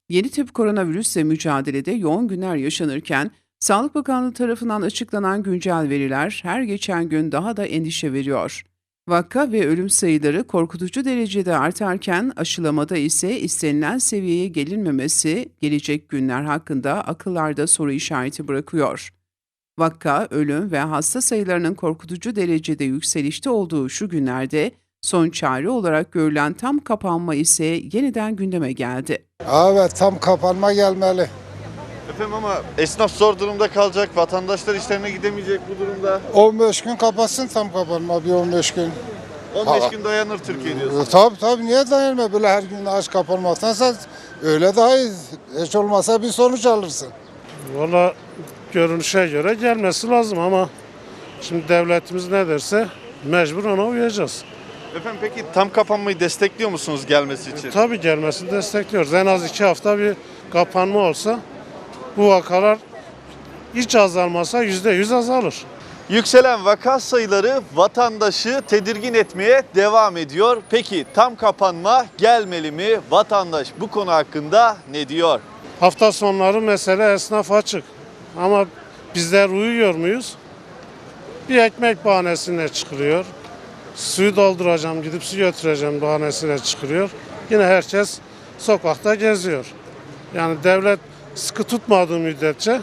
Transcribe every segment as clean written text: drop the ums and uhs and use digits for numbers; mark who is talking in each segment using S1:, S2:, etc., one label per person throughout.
S1: Yeni tip koronavirüsle mücadelede yoğun günler yaşanırken, Sağlık Bakanlığı tarafından açıklanan güncel veriler her geçen gün daha da endişe veriyor. Vaka ve ölüm sayıları korkutucu derecede artarken aşılamada ise istenilen seviyeye gelinmemesi gelecek günler hakkında akıllarda soru işareti bırakıyor. Vaka, ölüm ve hasta sayılarının korkutucu derecede yükselişte olduğu şu günlerde son çare olarak görülen tam kapanma ise yeniden gündeme geldi.
S2: Evet, tam kapanma gelmeli.
S3: Efendim ama esnaf zor durumda kalacak, vatandaşlar işlerine gidemeyecek bu durumda.
S2: 15 gün kapatsın, tam kapanma bir 15 gün.
S3: 15 gün dayanır Türkiye diyorsun.
S2: Tabii niye dayanma, böyle her gün aç kapanmaktansa öyle daha iyi. Hiç olmasa bir sonuç alırsın.
S4: Valla görünüşe göre gelmesi lazım ama şimdi devletimiz ne derse mecbur ona uyacağız.
S3: Efendim peki tam kapanmayı destekliyor musunuz gelmesi için?
S4: Tabii gelmesini destekliyoruz. En az 2 hafta bir kapanma olsa bu vakalar hiç azalmasa %100 azalır.
S3: Yükselen vaka sayıları vatandaşı tedirgin etmeye devam ediyor. Peki tam kapanma gelmeli mi? Vatandaş bu konu hakkında ne diyor?
S4: Hafta sonları mesele esnaf açık ama bizler uyuyor muyuz? Bir ekmek bahanesine çıkılıyor. Suyu dolduracağım, gidip su götüreceğim bahanesine çıkılıyor. Yine herkes sokakta geziyor. Yani devlet sıkı tutmadığı müddetçe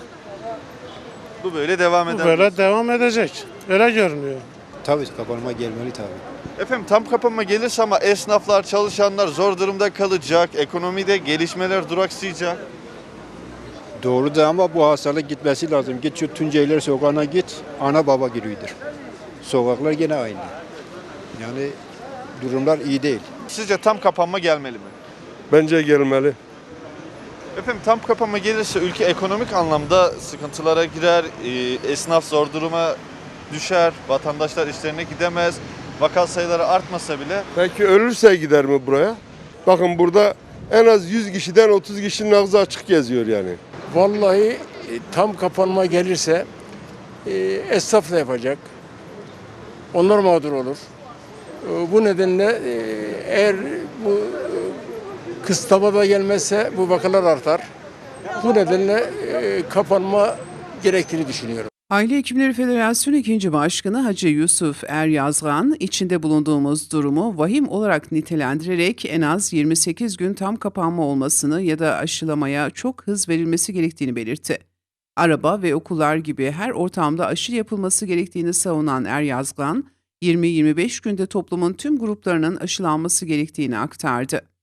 S3: Bu böyle devam
S4: bu
S3: eder.
S4: böyle devam edecek. Öyle görünüyor.
S5: Tabii kapanma gelmeli tabii.
S3: Efendim tam kapanma gelirse ama esnaflar, çalışanlar zor durumda kalacak. Ekonomide gelişmeler duraksayacak.
S5: Doğru da ama bu hastalık gitmesi lazım. Git şu Tunceliler sokağına git, ana baba giriyordur. Sokaklar gene aynı. Yani durumlar iyi değil.
S3: Sizce tam kapanma gelmeli mi?
S6: Bence gelmeli.
S3: Efendim tam kapanma gelirse ülke ekonomik anlamda sıkıntılara girer, esnaf zor duruma düşer, vatandaşlar işlerine gidemez, vaka sayıları artmasa bile.
S6: Peki ölürse gider mi buraya? Bakın burada en az 100 kişiden 30 kişinin ağzı açık geziyor yani.
S7: Vallahi tam kapanma gelirse esnaf da yapacak. Onlar mağdur olur. Bu nedenle eğer bu kısıtlama da gelmezse bu vakalar artar. Bu nedenle kapanma gerektiğini düşünüyorum.
S1: Aile Hekimleri Federasyonu 2. Başkanı Hacı Yusuf Eryazgan, içinde bulunduğumuz durumu vahim olarak nitelendirerek en az 28 gün tam kapanma olmasını ya da aşılamaya çok hız verilmesi gerektiğini belirtti. Araba ve okullar gibi her ortamda aşı yapılması gerektiğini savunan Eryazgan, 20-25 günde toplumun tüm gruplarının aşılanması gerektiğini aktardı.